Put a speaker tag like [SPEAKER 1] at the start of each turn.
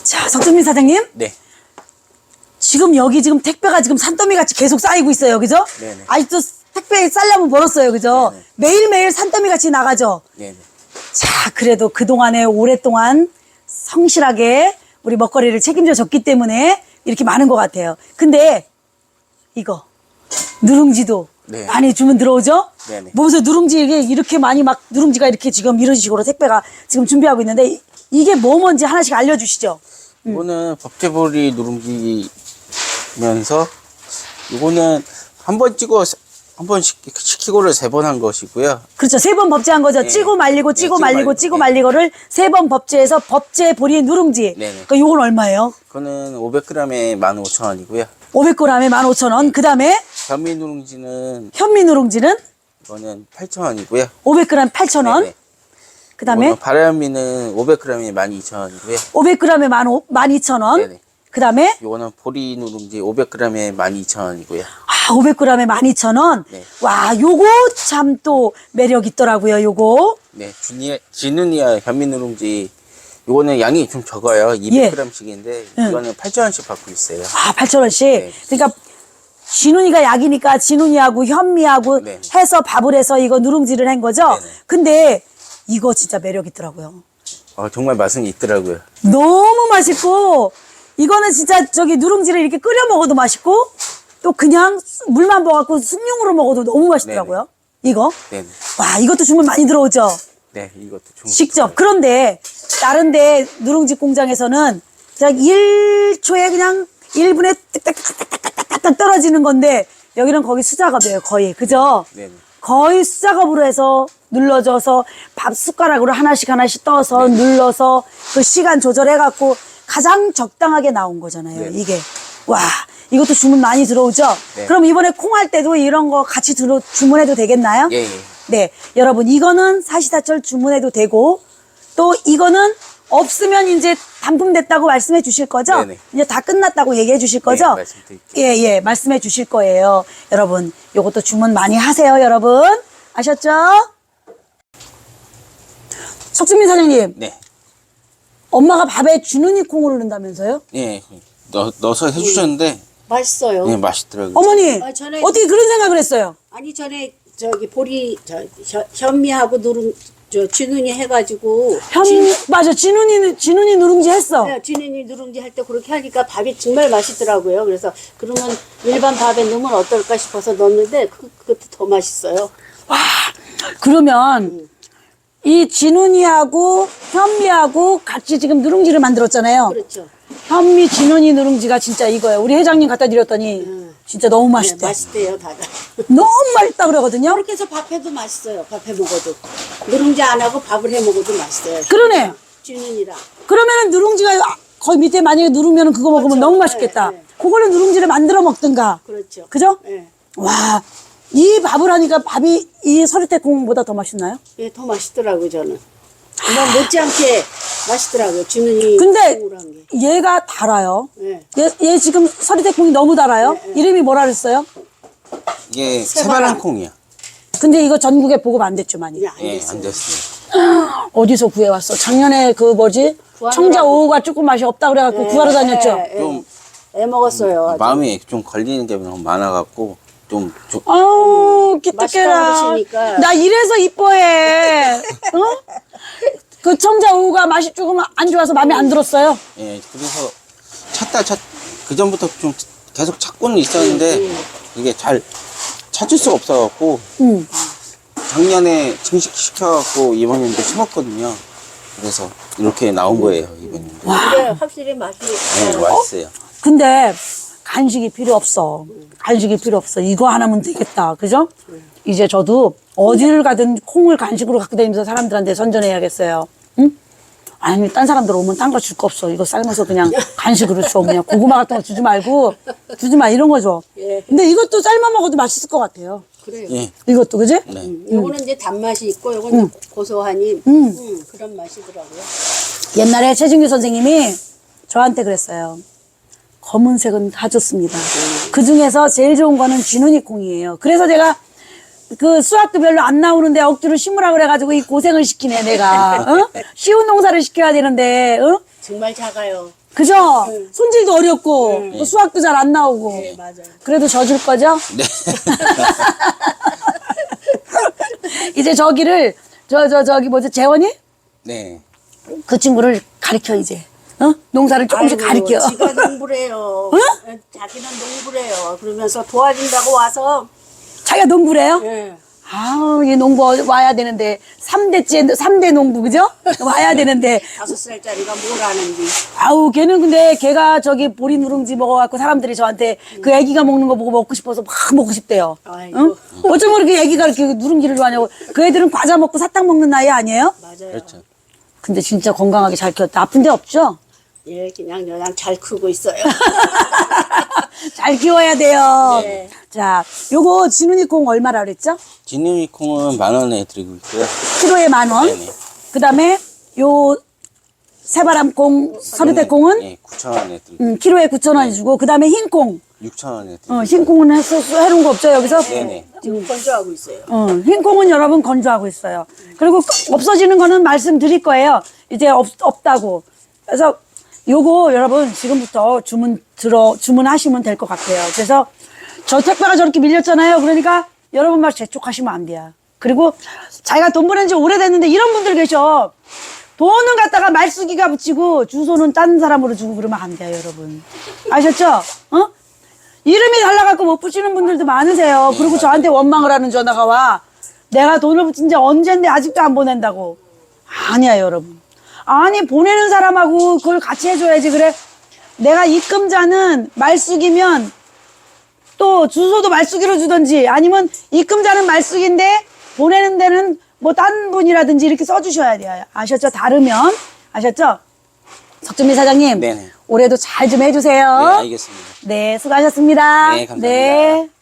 [SPEAKER 1] 자, 석준민 사장님.
[SPEAKER 2] 네.
[SPEAKER 1] 지금 여기 지금 택배가 지금 산더미 같이 계속 쌓이고 있어요. 그죠?
[SPEAKER 2] 네네.
[SPEAKER 1] 아직도 택배 쌀려면 벌었어요. 그죠?
[SPEAKER 2] 네네.
[SPEAKER 1] 매일매일 산더미 같이 나가죠?
[SPEAKER 2] 네네.
[SPEAKER 1] 자, 그래도 그동안에 오랫동안 성실하게 우리 먹거리를 책임져 줬기 때문에 이렇게 많은 것 같아요. 근데 이거 누룽지도
[SPEAKER 2] 네.
[SPEAKER 1] 많이 주문 들어오죠?
[SPEAKER 2] 네네.
[SPEAKER 1] 보면서 누룽지 이렇게 많이 막 누룽지가 이렇게 지금 이런 식으로 택배가 지금 준비하고 있는데 이게 뭐 뭔지 하나씩 알려주시죠.
[SPEAKER 2] 이거는 법제보리 누룽지면서 이거는 한 번 찍어 한 번 시키고를 3번 한 것이고요.
[SPEAKER 1] 그렇죠. 3번 법제한 거죠.
[SPEAKER 2] 네.
[SPEAKER 1] 찌고 말리고
[SPEAKER 2] 네,
[SPEAKER 1] 찌고
[SPEAKER 2] 찌고
[SPEAKER 1] 말리고
[SPEAKER 2] 말리고.
[SPEAKER 1] 찌고
[SPEAKER 2] 네.
[SPEAKER 1] 말리고를 3번 법제해서 법제 보리 누룽지.
[SPEAKER 2] 네네.
[SPEAKER 1] 그러니까 요건 얼마예요?
[SPEAKER 2] 그거는 500g에 15,000원이고요.
[SPEAKER 1] 500g에 15,000원. 그 다음에
[SPEAKER 2] 현미 누룽지는
[SPEAKER 1] 현미 누룽지는
[SPEAKER 2] 이거는 8,000원이고요.
[SPEAKER 1] 500g 8,000원. 그 다음에
[SPEAKER 2] 바라현미는 500g에 12,000원이고요.
[SPEAKER 1] 500g에 12,000원.
[SPEAKER 2] 네네.
[SPEAKER 1] 그 다음에
[SPEAKER 2] 이거는 보리 누룽지 500g에 12,000원이고요.
[SPEAKER 1] 500g에 12,000원.
[SPEAKER 2] 네.
[SPEAKER 1] 와, 요거 참 또 매력 있더라고요. 요거.
[SPEAKER 2] 네, 지느니아 현미 누룽지 요거는 양이 좀 적어요. 200g씩인데 이거는 8,000원씩 받고 있어요.
[SPEAKER 1] 8,000원씩.
[SPEAKER 2] 네.
[SPEAKER 1] 그러니까 진훈이가 약이니까 진훈이하고 현미하고
[SPEAKER 2] 네.
[SPEAKER 1] 해서 밥을 해서 이거 누룽지를 한 거죠.
[SPEAKER 2] 네네.
[SPEAKER 1] 근데 이거 진짜 매력 있더라고요.
[SPEAKER 2] 정말 맛은 있더라고요.
[SPEAKER 1] 너무 맛있고 이거는 진짜 저기 누룽지를 이렇게 끓여 먹어도 맛있고 또 그냥 물만 부어갖고 숭늉으로 먹어도 너무 맛있더라고요. 이거.
[SPEAKER 2] 네네.
[SPEAKER 1] 와, 이것도 주문 많이 들어오죠.
[SPEAKER 2] 네, 이것도 좀
[SPEAKER 1] 직접. 그런데 다른 데 누룽지 공장에서는 그냥 1초에 그냥 1분에 뜩딱딱딱딱딱 떨어지는 건데 여기는 거의 수작업이에요. 거의. 그죠?
[SPEAKER 2] 네네.
[SPEAKER 1] 거의 수작업으로 해서 눌러줘서 밥 숟가락으로 하나씩 떠서 눌러서 그 시간 조절해갖고 가장 적당하게 나온 거잖아요.
[SPEAKER 2] 네네.
[SPEAKER 1] 이게. 와, 이것도 주문 많이 들어오죠?
[SPEAKER 2] 네.
[SPEAKER 1] 그럼 이번에 콩 할 때도 이런 거 같이 주문해도 되겠나요?
[SPEAKER 2] 예, 예.
[SPEAKER 1] 네, 여러분 이거는 사시사철 주문해도 되고 또 이거는 없으면 이제 반품됐다고 말씀해 주실 거죠?
[SPEAKER 2] 네네.
[SPEAKER 1] 이제 다 끝났다고 얘기해 주실 거죠?
[SPEAKER 2] 네, 말씀드릴게요.
[SPEAKER 1] 예, 예, 말씀해 주실 거예요. 여러분, 요것도 주문 많이 하세요, 여러분. 아셨죠? 석준민 사장님,
[SPEAKER 2] 네.
[SPEAKER 1] 엄마가 밥에 주눈이 콩을 넣는다면서요?
[SPEAKER 2] 예. 넣어서 해주셨는데
[SPEAKER 3] 맛있어요.
[SPEAKER 2] 예, 맛있더라고요.
[SPEAKER 1] 어머니,
[SPEAKER 3] 전에-
[SPEAKER 1] 어떻게 그런 생각을 했어요?
[SPEAKER 3] 아니 전에 저기 보리 현미하고 진훈이 해가지고
[SPEAKER 1] 맞아, 진훈이 누룽지 했어.
[SPEAKER 3] 진훈이 누룽지 할 때 그렇게 하니까 밥이 정말 맛있더라고요. 그래서 그러면 일반 밥에 넣으면 어떨까 싶어서 넣었는데 그것도 더 맛있어요.
[SPEAKER 1] 그러면 이 진훈이하고 현미하고 같이 지금 누룽지를 만들었잖아요.
[SPEAKER 3] 그렇죠.
[SPEAKER 1] 현미 진훈이 누룽지가 진짜 이거예요. 우리 회장님 갖다 드렸더니 진짜 너무
[SPEAKER 3] 네,
[SPEAKER 1] 맛있대.
[SPEAKER 3] 맛있대요 다들.
[SPEAKER 1] 너무 맛있다 그러거든요.
[SPEAKER 3] 그렇게 해서 밥해도 맛있어요. 밥해 먹어도 누룽지 안 하고 밥을 해 먹어도 맛있어요.
[SPEAKER 1] 그러네.
[SPEAKER 3] 진훈이랑.
[SPEAKER 1] 그러면은 누룽지가 거기 밑에 만약에 누르면 그거 먹으면
[SPEAKER 3] 그렇죠.
[SPEAKER 1] 너무 맛있겠다.
[SPEAKER 3] 네, 네.
[SPEAKER 1] 그걸로 누룽지를 만들어 먹든가.
[SPEAKER 3] 그렇죠.
[SPEAKER 1] 그죠?
[SPEAKER 3] 예,
[SPEAKER 1] 와, 이 밥을 하니까 밥이 이 서리태콩보다 더 맛있나요?
[SPEAKER 3] 예, 더 맛있더라고요 저는. 뭐 못지않게 맛있더라고요. 진훈이
[SPEAKER 1] 근데
[SPEAKER 3] 콩으로 한 게.
[SPEAKER 1] 얘가 달아요.
[SPEAKER 3] 예.
[SPEAKER 1] 얘 지금 서리태콩이 너무 달아요. 이름이 뭐라 그랬어요?
[SPEAKER 2] 이게
[SPEAKER 3] 새바람.
[SPEAKER 2] 새바람 콩이야.
[SPEAKER 1] 근데 이거 전국에 보급 안 됐죠, 많이.
[SPEAKER 3] 이게 안
[SPEAKER 2] 예,
[SPEAKER 3] 됐어요.
[SPEAKER 2] 안 됐어요.
[SPEAKER 1] 어디서 구해왔어? 작년에 그 뭐지?
[SPEAKER 3] 구하느라고.
[SPEAKER 1] 청자 오후가 조금 맛이 없다 그래갖고 구하러 다녔죠?
[SPEAKER 3] 예, 예.
[SPEAKER 2] 좀
[SPEAKER 3] 애 먹었어요. 아주.
[SPEAKER 2] 마음에 좀 걸리는 게 너무 많아갖고 좀
[SPEAKER 1] 아우,
[SPEAKER 3] 맛있다고
[SPEAKER 1] 기특해라.
[SPEAKER 3] 그러시니까.
[SPEAKER 1] 나 이래서 이뻐해. 어? 그 청자 오후가 맛이 조금 안 좋아서 마음에 안 들었어요.
[SPEAKER 2] 예, 그래서 그 전부터 좀 계속 찾고는 있었는데 이게 잘 찾을 수가 없어갖고 작년에 증식시켜갖고 이번에도 심었거든요. 그래서 이렇게 나온 거예요, 이번에도.
[SPEAKER 3] 근데 확실히 맛이
[SPEAKER 2] 네, 맛있어요.
[SPEAKER 1] 근데 간식이 필요 없어. 간식이 필요 없어. 이거 하나면 되겠다. 그죠? 이제 저도 어디를 가든 콩을 간식으로 갖고 다니면서 사람들한테 선전해야겠어요. 응? 아니, 딴 사람들 오면 딴 거 줄 거 없어. 이거 삶아서 그냥 간식으로 줘. 그냥 고구마 같은 거 주지 말고, 주지 마. 이런 거 줘.
[SPEAKER 3] 예.
[SPEAKER 1] 근데 이것도 삶아 먹어도 맛있을 것 같아요.
[SPEAKER 3] 그래요.
[SPEAKER 2] 예,
[SPEAKER 1] 이것도, 그지?
[SPEAKER 2] 네.
[SPEAKER 3] 요거는 이제 단맛이 있고 요거는 고소하니 그런 맛이더라고요.
[SPEAKER 1] 옛날에 최진규 선생님이 저한테 그랬어요. 검은색은 다 좋습니다. 그 중에서 제일 좋은 거는 쥐눈이 콩이에요. 그래서 제가 그 수학도 별로 안 나오는데 억지로 심으라 그래가지고 이 고생을 시키네, 내가. 어? 쉬운 농사를 시켜야 되는데, 어?
[SPEAKER 3] 정말 작아요.
[SPEAKER 1] 그죠? 손질도 어렵고 뭐 수확도 잘 안 나오고.
[SPEAKER 3] 네, 맞아요.
[SPEAKER 1] 그래도 져줄 거죠?
[SPEAKER 2] 네.
[SPEAKER 1] 이제 저기를 저기 뭐지 재원이?
[SPEAKER 2] 네.
[SPEAKER 1] 그 친구를 가르쳐 이제. 어? 농사를 조금씩
[SPEAKER 3] 아이고,
[SPEAKER 1] 가르쳐.
[SPEAKER 3] 지가 농부래요. 자기는 농부래요. 그러면서 도와준다고 와서
[SPEAKER 1] 자기가 농부래요?
[SPEAKER 3] 예.
[SPEAKER 1] 아우, 이 농부 와야 되는데, 3대 농부, 그죠? 와야 되는데,
[SPEAKER 3] 5살짜리가 뭘 아는지.
[SPEAKER 1] 아우, 걔는 근데 걔가 저기 보리 누룽지 먹어갖고 사람들이 저한테 그 애기가 먹는 거 보고 먹고 싶어서 막 먹고 싶대요.
[SPEAKER 3] 아이고.
[SPEAKER 1] 응? 어쩜 그렇게 애기가 이렇게 누룽지를 좋아하냐고. 그 애들은 과자 먹고 사탕 먹는 나이 아니에요?
[SPEAKER 3] 맞아요.
[SPEAKER 2] 그렇죠.
[SPEAKER 1] 근데 진짜 건강하게 잘 키웠다. 아픈 데 없죠?
[SPEAKER 3] 예, 그냥 잘 크고 있어요.
[SPEAKER 1] 잘 키워야 돼요.
[SPEAKER 3] 네.
[SPEAKER 1] 자, 요거 진훈이 콩 얼마라 그랬죠?
[SPEAKER 2] 진우미 콩은 10,000원에 드리고 있고요.
[SPEAKER 1] 키로에 10,000원.
[SPEAKER 2] 네네.
[SPEAKER 1] 그 다음에 요 새바람콩, 서리대콩은
[SPEAKER 2] 네, 9,000원에 드리고
[SPEAKER 1] 키로에 9,000원 주고, 그 다음에 흰콩.
[SPEAKER 2] 6,000원에 드리고
[SPEAKER 1] 흰콩은 해놓은 거 없죠, 여기서?
[SPEAKER 2] 네네.
[SPEAKER 3] 지금 건조하고 있어요.
[SPEAKER 1] 흰콩은 여러분 건조하고 있어요. 그리고 없어지는 거는 말씀드릴 거예요. 이제 없다고. 그래서 요거 여러분 지금부터 주문하시면 될 것 같아요. 그래서 저 택배가 저렇게 밀렸잖아요. 그러니까 여러분 말 재촉하시면 안 돼요. 그리고 자기가 돈 보낸 지 오래됐는데 이런 분들 계셔. 돈은 갖다가 말쓰기가 붙이고 주소는 딴 사람으로 주고 그러면 안 돼요, 여러분. 아셨죠? 어? 이름이 달라갖고 못 붙이는 분들도 많으세요. 그리고 저한테 원망을 하는 전화가 와. 내가 돈을 붙인 지 언젠데 아직도 안 보낸다고. 아니야, 여러분. 아니, 보내는 사람하고 그걸 같이 해줘야지. 그래. 내가 입금자는 말쑥이면 또 주소도 말쑥이로 주던지 아니면 입금자는 말쑥인데 보내는 데는 뭐 딴 분이라든지 이렇게 써주셔야 돼요. 아셨죠? 다르면. 아셨죠? 석준미 사장님.
[SPEAKER 2] 네네.
[SPEAKER 1] 올해도 잘 좀 해주세요.
[SPEAKER 2] 네, 알겠습니다.
[SPEAKER 1] 네, 수고하셨습니다.
[SPEAKER 2] 네, 감사합니다.
[SPEAKER 1] 네.